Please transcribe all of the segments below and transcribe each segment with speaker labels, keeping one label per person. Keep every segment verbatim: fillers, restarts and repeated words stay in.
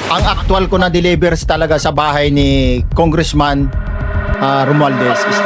Speaker 1: Ang actual ko na delivers talaga sa bahay ni Congressman uh, Romualdez is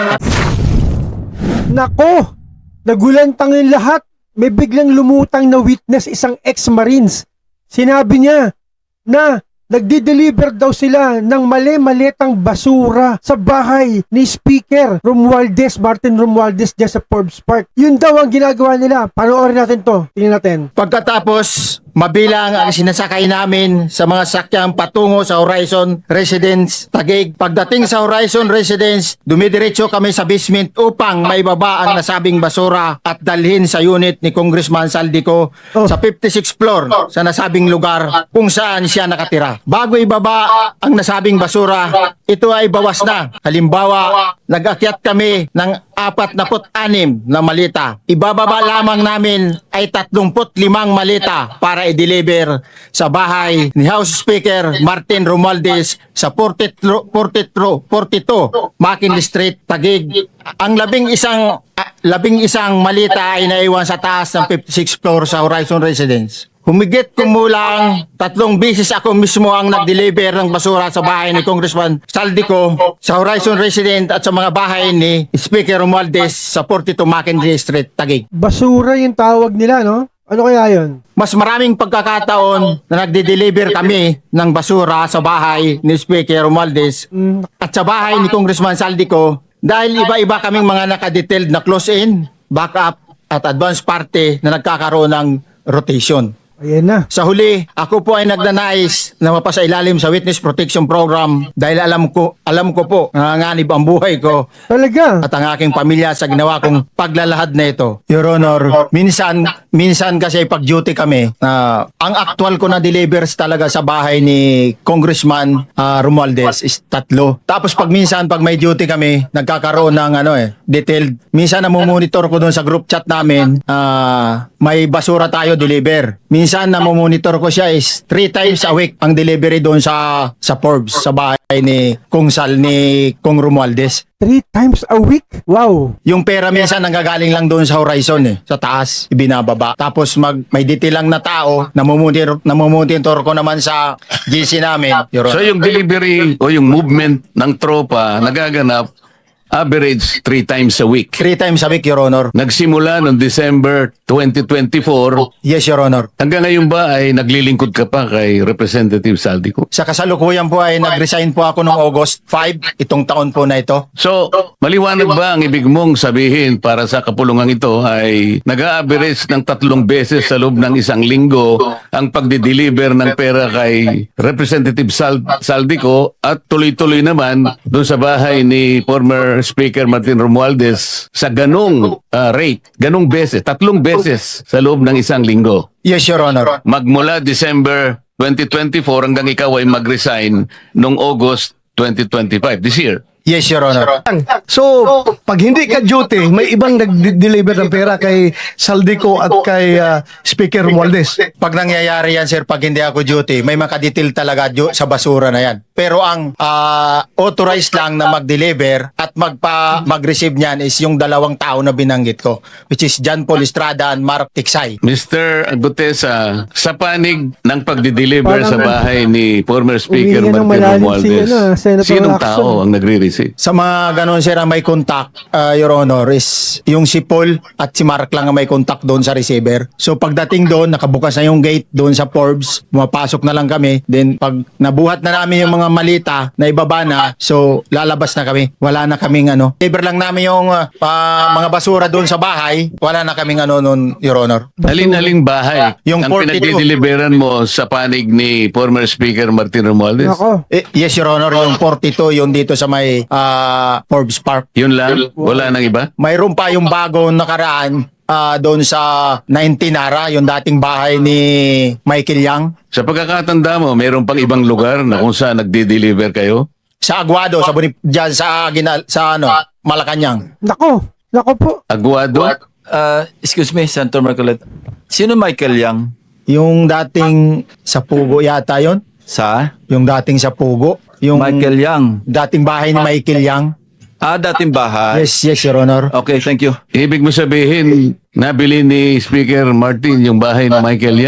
Speaker 2: Nako! Nagulantang yung lahat. May biglang lumutang na witness, isang ex-marines. Sinabi niya na nagdi-deliver daw sila ng mali-malitang basura sa bahay ni Speaker Romualdez, Martin Romualdez dyan sa Forbes Park. Yun daw ang ginagawa nila. Panoorin natin to. Tingnan natin.
Speaker 1: pagkatapos mabilang ang sinasakay namin sa mga sakyang patungo sa Horizon Residence Taguig. Pagdating sa Horizon Residence, dumidiretso kami sa basement upang maibaba ang nasabing basura at dalhin sa unit ni Congressman Saldico
Speaker 2: Oh.
Speaker 1: sa fifty-sixth floor sa nasabing lugar kung saan siya nakatira. Bago ibaba ang nasabing basura, ito ay bawas na. Halimbawa, nag-akyat kami ng apat na put anim na malita. Ibababa lamang namin ay tatlongput limang malita para i-deliver sa bahay ni House Speaker Martin Romualdez sa forty-two, forty-two, forty-two McKinley Street, Taguig. Ang labing isang ah, labing isang malita ay naiwan sa taas ng fifty-sixth floor sa Horizon Residence. Humigit kumulang tatlong bisis ako mismo ang nag-deliver ng basura sa bahay ni Congressman Saldico sa Horizon Resident at sa mga bahay ni Speaker Romualdez sa forty-two McKinley Street, Taguig.
Speaker 2: Basura yung tawag nila, no? Ano kaya yun?
Speaker 1: Mas maraming pagkakataon na nagde-deliver kami ng basura sa bahay ni Speaker Romualdez
Speaker 2: Mm,
Speaker 1: at sa bahay ni Congressman Saldico dahil iba-iba kaming mga nakadetailed na close-in, backup at advance party na nagkakaroon ng rotation.
Speaker 2: ayan na.
Speaker 1: Sa huli, ako po ay nagnanais na mapasailalim sa Witness Protection Program dahil alam ko, alam ko po nanganganib ang buhay ko
Speaker 2: Talaga.
Speaker 1: at ang aking pamilya sa ginawa kong paglalahad na ito. Your Honor, minsan, minsan kasi pag duty kami, na ang actual ko na delivers talaga sa bahay ni Congressman uh, Romualdez is tatlo. Tapos pag minsan, pag may duty kami, nagkakaroon ng ano eh, detailed. Minsan namumonitor ko doon sa group chat namin, uh, may basura tayo deliver. Minsan namumonitor ko siya is three times a week ang delivery doon sa sa Forbes, sa bahay ni Kung Sal, ni Kung Romualdez.
Speaker 2: Three times a week? Wow.
Speaker 1: Yung pera minsan nanggagaling lang doon sa Horizon eh, sa taas, ibinababa. Tapos mag may detail lang na tao, namumonitor, namumonitor ko naman sa G C namin. Your
Speaker 3: So
Speaker 1: Honor.
Speaker 3: yung delivery o yung movement ng tropa nagaganap average three times a week.
Speaker 1: Three times a week, Your Honor.
Speaker 3: Nagsimula noong December twenty twenty-four.
Speaker 1: Yes, Your Honor.
Speaker 3: Hanggang ngayon ba ay naglilingkod ka pa kay Representative Saldico?
Speaker 1: Sa kasalukuyan po ay nag-resign po ako noong August fifth, itong taon po na ito.
Speaker 3: So, maliwanag ba ang ibig mong sabihin para sa kapulungan ito ay nag-a-average ng tatlong beses sa loob ng isang linggo ang pagdi-deliver ng pera kay Representative Sal- Saldico at tuloy-tuloy naman doon sa bahay ni former Speaker Martin Romualdez sa ganong uh, rate, ganong beses, tatlong beses sa loob ng isang linggo.
Speaker 1: Yes, Your Honor.
Speaker 3: Magmula December twenty twenty-four hanggang ikaw ay mag-resign noong August twenty twenty-five, this year.
Speaker 1: Yes, Your Honor.
Speaker 4: So, pag hindi ka duty, may ibang nag-deliver ng pera kay Saldico at kay uh, Speaker Romualdez.
Speaker 1: Pag nangyayari yan, sir, pag hindi ako duty, may makadetail talaga ju- sa basura na yan. Pero ang ah, authorized lang na mag-deliver at magpa mag-receive niyan is yung dalawang tao na binanggit ko, which is John Paul Estrada and Mark Tiksay.
Speaker 3: Mister Agutesa, sa panig ng pagdi-deliver
Speaker 2: Parang
Speaker 3: sa bahay ni former Speaker
Speaker 2: umihinga ng
Speaker 3: Martin
Speaker 2: malalim si,
Speaker 3: Romualdez,
Speaker 2: ano, Senator
Speaker 3: sinong
Speaker 2: Lacson.
Speaker 3: tao ang nagre-receive?
Speaker 1: Sa mga ganon, sir, ang may contact, uh, Your Honor, is yung si Paul at si Mark lang ang may contact doon sa receiver. So pagdating doon, nakabukas na yung gate doon sa Forbes, pumapasok na lang kami. Then pag nabuhat na namin yung mga malita na ibaba na, so lalabas na kami. Wala na kaming ano. Deliver lang namin yung uh, pa- mga basura doon sa bahay. Wala na kaming ano noon, Your Honor.
Speaker 3: Alin-aling bahay
Speaker 1: Yung
Speaker 3: ang
Speaker 1: forty-two.
Speaker 3: pinagdi-deliveran mo sa panig ni former Speaker Martin Romualdez?
Speaker 2: Nako.
Speaker 1: Eh, yes, Your Honor, yung forty-two, yung dito sa may uh, Forbes Park.
Speaker 3: Yun lang? Wala nang iba?
Speaker 1: Mayroon pa yung bagong nakaraan ah, doon sa nineteen Nara, yung dating bahay ni Michael Yang.
Speaker 3: Sa pagkakatanda mo, mayroon pang ibang lugar na kung saan nagdi-deliver kayo?
Speaker 1: Sa Aguado, sa Bonif- dyan sa, Ginal- sa ano, Malacanang.
Speaker 2: Nako. Nako po.
Speaker 3: Aguado?
Speaker 5: Uh, excuse me, Senator Marcoleta. Sino Michael Yang?
Speaker 1: Yung dating sa Pugo yata yon,
Speaker 5: Sa?
Speaker 1: yung dating sa Pugo. Yung
Speaker 5: Michael Yang.
Speaker 1: dating bahay ni Michael Yang.
Speaker 5: Ah, dating bahay.
Speaker 1: Yes, yes, Your Honor.
Speaker 5: Okay, thank you.
Speaker 3: Ibig mo sabihin, nabili ni Speaker Martin yung bahay ni Michael Yang?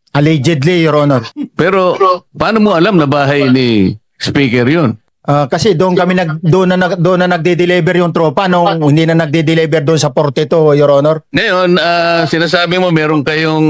Speaker 1: Allegedly, Your Honor.
Speaker 3: Pero paano mo alam na bahay ni Speaker yun?
Speaker 1: Ah, kasi doon kami nag doon na nag- doon na nagde-deliver yung tropa nung hindi na nagde-deliver doon sa forty-two, Your Honor.
Speaker 3: Ngayon, ah, sinasabi mo meron kayong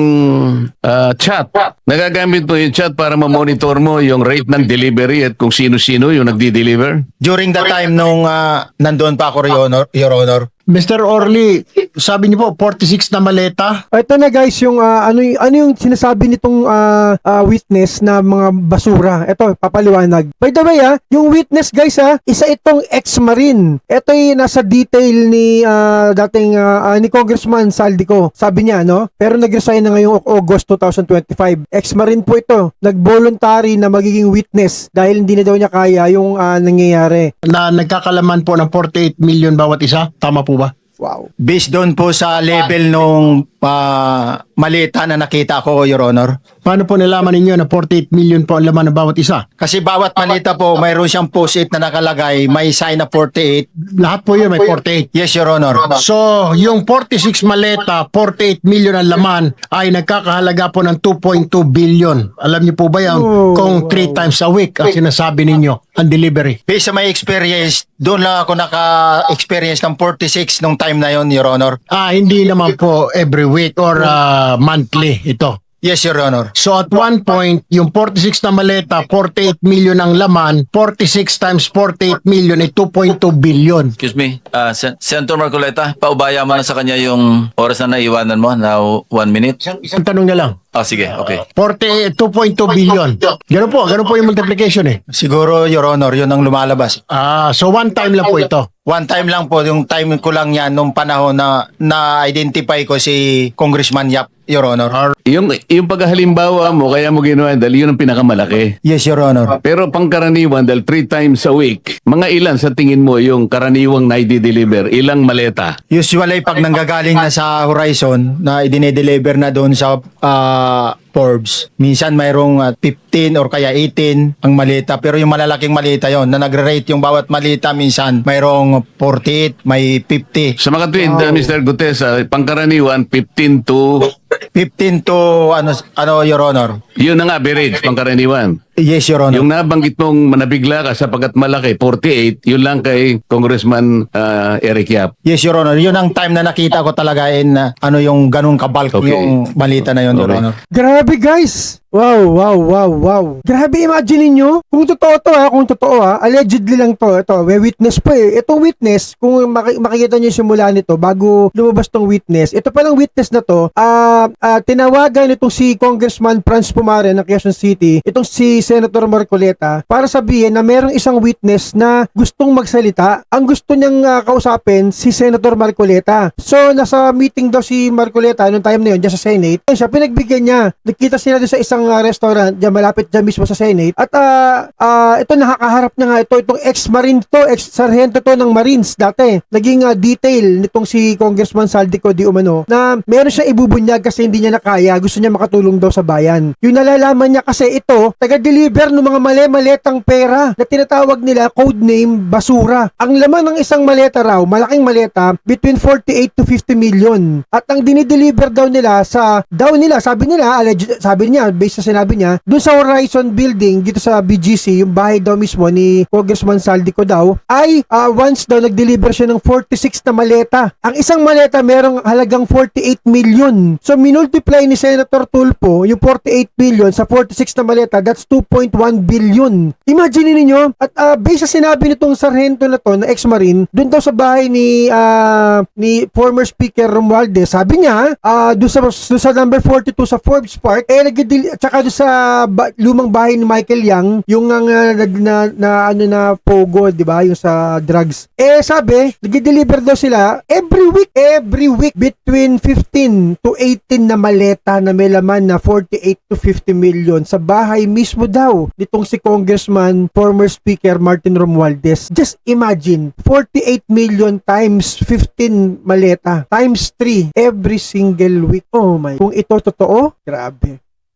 Speaker 3: ah, chat. Nagagamit mo yung chat para ma-monitor mo yung rate ng delivery at kung sino-sino yung nagdi-deliver?
Speaker 1: During the time nung ah, nandoon pa ako, Your Honor, Your Honor.
Speaker 4: Mister Orly, sabi niyo po forty-six na maleta.
Speaker 2: Ito na guys, yung ah, ano, y- ano yung sinasabi nitong ah, ah, witness na mga basura. Ito, papaliwanag. By the way ah, yung witness guys ah, isa itong ex-marine. Ito yung nasa detail ni ah, dating ah, ah, ni Congressman Saldico. Sabi niya, no? Pero nag-resign na ngayong August twenty twenty-five. Ex-marine po ito. Nag-voluntary na magiging witness dahil hindi na daw niya kaya yung ah, nangyayari.
Speaker 4: Na nagkakalaman po ng forty-eight million bawat isa. Tama po ba?
Speaker 2: Wow.
Speaker 1: Based doon po sa level nung ah, malita na nakita ko, Your Honor.
Speaker 4: Paano po nalaman ninyo na forty-eight million po ang laman ng bawat isa?
Speaker 1: Kasi bawat malita po, mayroon siyang post-it na nakalagay, may sign na forty-eight.
Speaker 4: Lahat po yun may forty-eight.
Speaker 1: Yes, Your Honor.
Speaker 4: So, yung forty-six maleta, forty-eight million ang laman ay nagkakahalaga po ng two point two billion. Alam niyo po ba yan?
Speaker 2: Oh,
Speaker 4: Kung three times a week ang sinasabi ninyo, ang delivery.
Speaker 1: Based sa my experience, doon lang ako naka-experience ng forty-six nung time na yon, Your Honor.
Speaker 4: Ah, hindi naman po every week or ah, monthly ito.
Speaker 1: Yes, Your Honor.
Speaker 4: So at one point, yung forty-six na maleta, forty-eight million ang laman, forty-six times forty-eight million ay two point two billion.
Speaker 5: Excuse me, uh, Sen- Senator Marcoleta, paubaya mo na sa kanya yung oras na naiwanan mo, now one minute.
Speaker 4: Isang, isang tanong na lang.
Speaker 5: Ah, sige, okay.
Speaker 4: forty, two point two billion. Ganun po, ganun po yung multiplication eh.
Speaker 1: Siguro, Your Honor, yun ang lumalabas.
Speaker 4: Ah, so one time lang po ito.
Speaker 1: One time lang po, yung time ko lang yan nung panahon na na-identify ko si Congressman Yap, Your Honor.
Speaker 3: Yung, yung paghalimbawa mo, kaya mo ginawa dahil yun ang pinakamalaki.
Speaker 1: Yes, Your Honor.
Speaker 3: Pero pangkaraniwan, dahil three times a week, mga ilan sa tingin mo yung karaniwang na i-deliver? Ilang maleta?
Speaker 1: Usually, pag nanggagaling na sa Horizon, na idinedeliver na doon sa ah, Forbes, minsan mayroong ah, fifteen or kaya eighteen ang malita. Pero yung malalaking malita yon na nagre-rate yung bawat malita, minsan mayroong forty-eight, may fifty.
Speaker 3: Sa mga tweet, uh, Mister Gutes, ah, pangkaraniwan, fifteen to,
Speaker 1: fifteen to, ano, ano Your Honor?
Speaker 3: yun ang average, pangkaraniwan.
Speaker 1: Yes, Your Honor.
Speaker 3: Yung nabanggit mong manabigla ka sapagkat malaki, forty-eight, yun lang kay Congressman ah, Eric Yap.
Speaker 1: Yes, Your Honor. Yun ang time na nakita ko talaga in uh, ano yung ganung kabalk
Speaker 3: Okay.
Speaker 1: yung malita na yun, Your
Speaker 3: Okay.
Speaker 1: Honor.
Speaker 2: Grabe guys! Wow, wow, wow, wow. Grabe, imagine niyo kung totoo to ha, kung totoo ha, allegedly lang to. Ito, may witness pa eh. Itong witness, kung maki- makikita niyo yung simula nito bago lumabas tong witness, ito palang witness na to, ah ah, tinawagan itong si Congressman Franz Pumare ng Quezon City, itong si Senator Marcoleta, para sabihin na merong isang witness na gustong magsalita. Ang gusto niyang ah, kausapin si Senator Marcoleta. So, nasa meeting daw si Marcoleta noong time na yun, dyan sa Senate. Ayun siya, pinagbigyan niya. Nagkita sila doon sa isang ah, restaurant, dyan malapit dyan mismo sa Senate. At ah, ah, ito, nakakaharap niya nga ito, itong ex-marine to, ex-sargento to ng Marines dati. Naging ah, detail nitong si Congressman Saldico Di Umano na meron siya ibubunyag kasi hindi niya nakaya. Gusto niya makatulong daw sa bayan. Yung nalalaman niya kasi ito, taga-deliver ng mga mali-maletang pera na tinatawag nila codename basura. Ang laman ng isang maleta raw, malaking maleta, between forty-eight to fifty million. At ang dinideliver daw nila sa, daw nila, sabi nila, alleged, sabi niya, based sa sinabi niya, dun sa Horizon Building, dito sa B G C, yung bahay daw mismo ni Congressman Saldico daw, ay ah, once daw nag-deliver siya ng forty-six na maleta. Ang isang maleta merong halagang forty-eight million. So, minultiply ni Senator Tulfo yung forty-eight million sa forty-six na maleta, that's two point one billion. Imagine niyo at uh, based sa sinabi nitong sarhento na to, na ex-marine, dun daw sa bahay ni ah, ni former Speaker Romualdez, sabi niya, ah, dun sa, dun sa number forty-two sa Forbes Park, eh, nagdidil, tsaka dun sa ba, lumang bahay ni Michael Yang, yung ang uh, na, na, na, ano na pogo, di ba, yung sa drugs. Eh, sabi, nag-deliver daw sila every week, every week, between fifteen to eighteen na maleta na may laman na forty-eight to fifty million sa bahay mismo daw nitong si Congressman, former Speaker Martin Romualdez. Just imagine, forty-eight million times fifteen maleta, times three every single week. Oh my, kung ito totoo, grabe.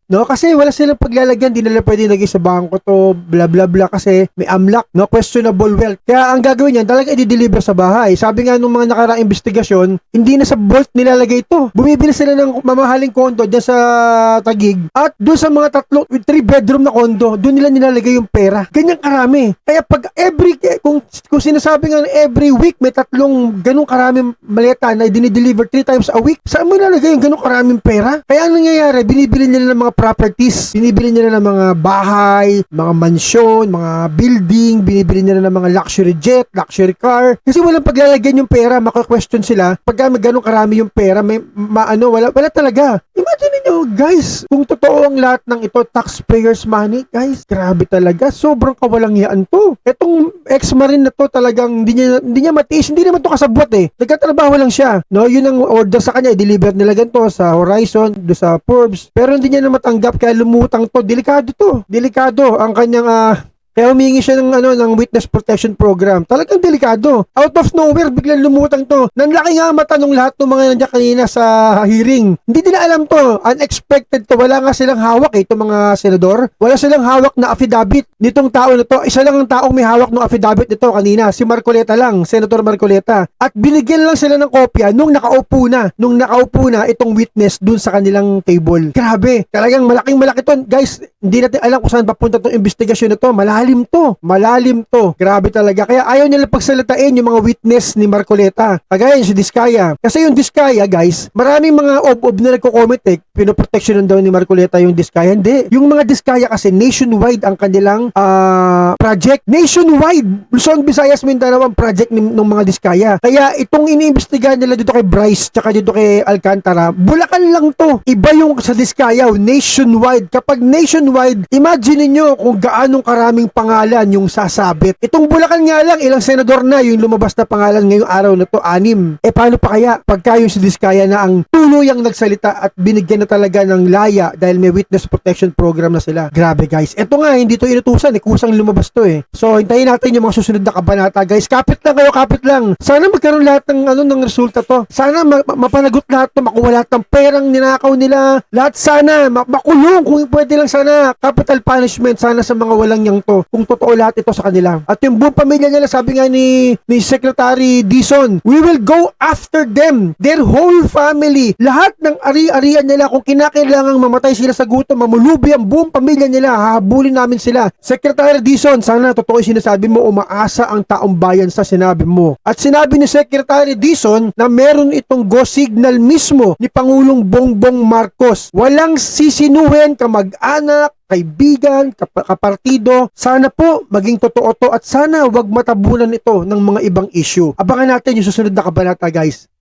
Speaker 2: No, kasi wala silang paglalagyan, di nila pwede lagay sa bangko to, bla bla bla kasi may amlak, no, questionable wealth. Kaya ang gagawin niyan, talaga i-deliver sa bahay. Sabi nga nung mga nakaraang investigasyon, hindi na sa vault nilalagay ito. Bumibili sila ng mamahaling kondo diyan sa Taguig at doon sa mga tatlo, three bedroom na kondo, doon nila nilalagay yung pera. Ganyan karami. Kaya pag every, kung, kung sinasabi nga every week may tatlong ganung karaming maleta na dinideliver three times a week, saan mo nilalagay yung ganung karaming pera? Kaya ang nangyayari, binibili nila ng mga properties, binibili nila ng mga bahay, mga mansyon, mga building, binibili nila ng mga luxury jet, luxury car. Kasi walang paglalagyan yung pera, maka-question sila. Pagka may ganun karami yung pera, may maano, wala, wala talaga. Imagine niyo, guys, kung totoo ang lahat ng ito, taxpayers money, guys, grabe talaga. Sobrang kawalangyaan to. Etong ex-marine na to talagang hindi niya, hindi niya matiis, hindi naman to kasabwat eh. Nagkatrabaho lang siya. No, yun ang order sa kanya, i-deliver nila ganito sa Horizon, do sa Forbes. Pero hindi niya na matanggap kaya lumutang to. Delikado to. Delikado ang kanyang ah, kaya humingi siya ng ano ng witness protection program. Talagang delikado. Out of nowhere biglang lumutang to. Nanlaki nga mata nung lahat ng mga nandiyan kanina sa hearing. Hindi nila alam to. Unexpected to. Wala nga silang hawak eh, itong mga senador. Wala silang hawak na affidavit nitong tao na to. Isa lang ang taong may hawak ng affidavit nito kanina. Si Marcoleta lang. Senator Marcoleta. At binigyan lang sila ng kopya nung nakaupo na. Nung nakaupo na itong witness dun sa kanilang table. Grabe. Talagang malaking malaki to. Guys, hindi natin alam kung saan papunta itong investigasyon na to. Malalim to. Malalim to. Grabe talaga. Kaya ayaw nila pagsalitain yung mga witness ni Marcoleta. Kagaya yung si Diskaya. Kasi yung Diskaya, guys, maraming mga ob-ob na nagko-comment eh. Pinoproteksyonan daw ni Marcoleta yung Diskaya. Hindi. Yung mga Diskaya kasi nationwide ang kanilang ah, project. Nationwide. Luzon, Visayas, Mindanao ang project ng, ng mga Diskaya. Kaya itong iniimbestigahan nila dito kay Bryce tsaka dito kay Alcantara, Bulacan lang to. Iba yung sa Diskaya, nationwide. Kapag nationwide, imagine niyo kung gaanong karaming pangalan yung sasabit. Itong Bulacan nga lang, ilang senador na yung lumabas na pangalan ngayong araw na to, anim. E paano pa kaya pagka yung si Diskaya na ang tuluyang nagsalita at binigyan na talaga ng laya dahil may witness protection program na sila. Grabe guys. Ito nga, hindi to inutusan eh. Kusang lumabas to eh. So, hintayin natin yung mga susunod na kabanata guys. Kapit lang kayo, kapit lang. Sana magkaroon lahat ng ano ng resulta to. Sana ma- ma- mapanagot lahat to, makuha lahat ng perang ninakaw nila. Lahat sana, ma- makulong kung pwede lang sana. Capital punishment sana sa mga walang yang to. Kung totoo lahat ito sa kanila. At yung buong pamilya nila, sabi nga ni, ni Secretary Dizon, we will go after them. Their whole family. Lahat ng ari-arian nila, kung kinakailangang mamatay sila sa gutom, mamulubi ang buong pamilya nila, hahabulin namin sila. Secretary Dizon, sana totoo yung sinasabi mo, umaasa ang taong bayan sa sinabi mo. At sinabi ni Secretary Dizon na meron itong go signal mismo ni Pangulong Bongbong Marcos. Walang sisinuhin, kamag-anak, kaibigan, kap- kapartido. Sana po maging totoo to at sana wag matabunan ito ng mga ibang issue. Abangan natin yung susunod na kabanata guys.